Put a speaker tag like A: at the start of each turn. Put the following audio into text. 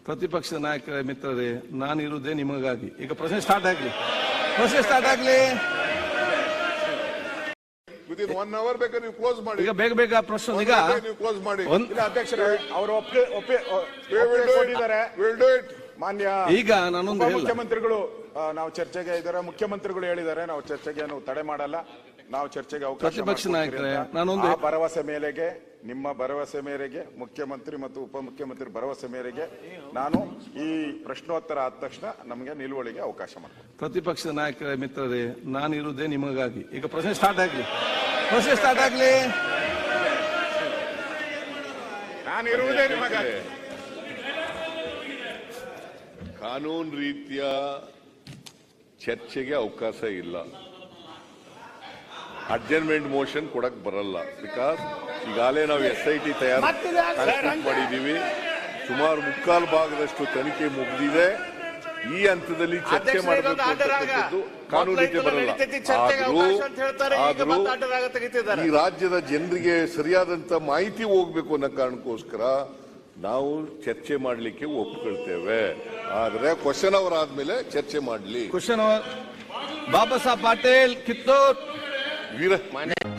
A: ಪ್ರತಿಪಕ್ಷದ ನಾಯಕರ ಮಿತ್ರರೇ, ನಾನಿರುವುದೇ ನಿಮಗಾಗಿ. ಈಗ ಪ್ರಶ್ನೆ ಸ್ಟಾರ್ಟ್ ಆಗ್ಲಿ.
B: ವಿದಿನ್ 1 hour ಬೇಕಾದ್ರೆ ನೀವು ಕ್ಲೋಸ್ ಮಾಡಿ.
A: ಈಗ ಬೇಗ ಪ್ರಶ್ನೆ ಈಗ
B: ನೀವು ಕ್ಲೋಸ್ ಮಾಡಿ.
C: ಇಲ್ಲ ಅಧ್ಯಕ್ಷರೇ, ಅವರು ಒಪ್ಪಿಕೊಂಡಿದ್ದಾರೆ. ಮಾನ್ಯ
A: ಈಗ ನಾನೊಂದು
C: ಮುಖ್ಯಮಂತ್ರಿಗಳು ನಾವು ಚರ್ಚೆಗೆ ಇದ್ದಾರೆ. ಮುಖ್ಯಮಂತ್ರಿಗಳು ಹೇಳಿದ್ದಾರೆ ನಾವು ಚರ್ಚೆಗೆ ತಡೆ ಮಾಡಲ್ಲ, ನಾವು ಚರ್ಚೆಗೆ ಅವಕಾಶ.
A: ಪ್ರತಿಪಕ್ಷ ನಾಯಕರೇ, ನಾನೊಂದು
C: ಭರವಸೆ ಮೇರೆಗೆ, ನಿಮ್ಮ ಭರವಸೆ ಮೇರೆಗೆ, ಮುಖ್ಯಮಂತ್ರಿ ಮತ್ತು ಉಪಮುಖ್ಯಮಂತ್ರಿ ಭರವಸೆ ಮೇರೆಗೆ ನಾನು ಈ ಪ್ರಶ್ನೋತ್ತರ ಆದ ತಕ್ಷಣ ನಮಗೆ ನಿಲುವಳಿಗೆ ಅವಕಾಶ ಮಾಡ್ತೀನಿ.
A: ಪ್ರತಿಪಕ್ಷದ ನಾಯಕರ ಮಿತ್ರರೇ, ನಾನಿರುವುದೇ ನಿಮಗಾಗಿ. ಈಗ ಪ್ರಶ್ನೆ ಸ್ಟಾರ್ಟ್ ಆಗ್ಲಿ.
C: ನಾನಿರುವುದೇ ನಿಮಗಾಗಿ.
B: ಕಾನೂನು ರೀತಿಯ ಚರ್ಚೆಗೆ ಅವಕಾಶ ಇಲ್ಲ. ಅಡ್ಜರ್ನ್ಮೆಂಟ್ ಮೋಷನ್ ಕೊಡಕ್ ಬರಲ್ಲ. ಬಿಕಾಸ್ ಈಗಾಗಲೇ ನಾವು SIT ತಯಾರು ಮಾಡಿದೀವಿ. ಸುಮಾರು 3/4 ಭಾಗದಷ್ಟು ತನಿಖೆ ಮುಗಿದಿದೆ. ಈ ಹಂತದಲ್ಲಿ ಚರ್ಚೆ ಮಾಡಬೇಕು ಅಂತಕ್ಕಂಥದ್ದು ಕಾನೂನು ರೀತಿ ಬರಲ್ಲ. ಆದ್ರೂ ಈ ರಾಜ್ಯದ ಜನರಿಗೆ ಸರಿಯಾದಂತ ಮಾಹಿತಿ ಹೋಗ್ಬೇಕು ಅನ್ನೋ ಕಾರಣಕ್ಕೋಸ್ಕರ ನಾವು ಚರ್ಚೆ ಮಾಡಲಿಕ್ಕೆ ಒಪ್ಕೊಳ್ತೇವೆ. ಆದ್ರೆ ಕ್ವಶನ್ ಅವರ್ ಆದ್ಮೇಲೆ ಚರ್ಚೆ ಮಾಡಲಿ.
A: ಕ್ವಶನ್ ಅವರ್ ಬಾಬಾ ಸಾಹೇಬ್ ಪಾಟೀಲ್ ಕಿತ್ತೂರ್
B: ವೀರ